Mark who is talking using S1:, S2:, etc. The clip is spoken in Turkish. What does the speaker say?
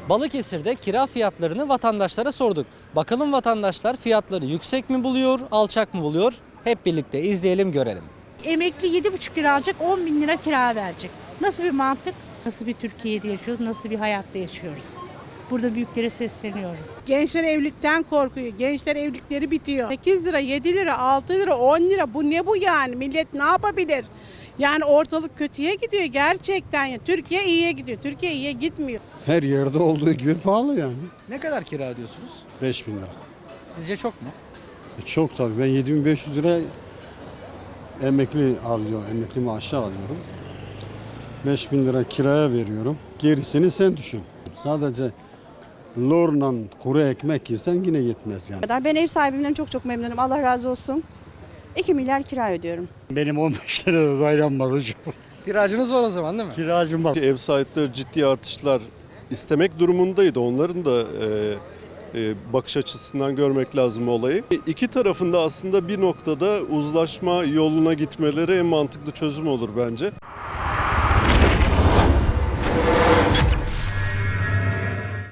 S1: Balıkesir'de kira fiyatlarını vatandaşlara sorduk. Bakalım vatandaşlar fiyatları yüksek mi buluyor, alçak mı buluyor? Hep birlikte izleyelim, görelim.
S2: Emekli 7,5 lira alacak, 10 bin lira kira verecek. Nasıl bir mantık? Nasıl bir Türkiye'de yaşıyoruz, nasıl bir hayatta yaşıyoruz? Burada büyüklere sesleniyorum.
S3: Gençler evlilikten korkuyor. Gençler evlilikleri bitiyor. 8 lira, 7 lira, 6 lira, 10 lira bu ne bu yani? Millet ne yapabilir? Yani ortalık kötüye gidiyor gerçekten. Ya. Türkiye iyiye gidiyor. Türkiye iyiye gitmiyor.
S4: Her yerde olduğu gibi pahalı yani.
S1: Ne kadar kira ödüyorsunuz?
S4: 5.000 lira.
S1: Sizce çok mu?
S4: Çok tabii. Ben 7.500 lira emekli maaşı alıyorum. 5.000 lira kiraya veriyorum. Gerisini sen düşün. Sadece lorla kuru ekmek yesen yine yetmez yani.
S5: Ben ev sahibimden çok memnunum. Allah razı olsun. 2 milyar kira ödüyorum.
S6: Benim 15 lira dairem var hocam.
S1: Kiracınız var o zaman değil mi?
S6: Kiracım var.
S7: Ev sahipleri ciddi artışlar istemek durumundaydı. Onların da bakış açısından görmek lazım olayı. İki tarafında aslında bir noktada uzlaşma yoluna gitmeleri en mantıklı çözüm olur bence.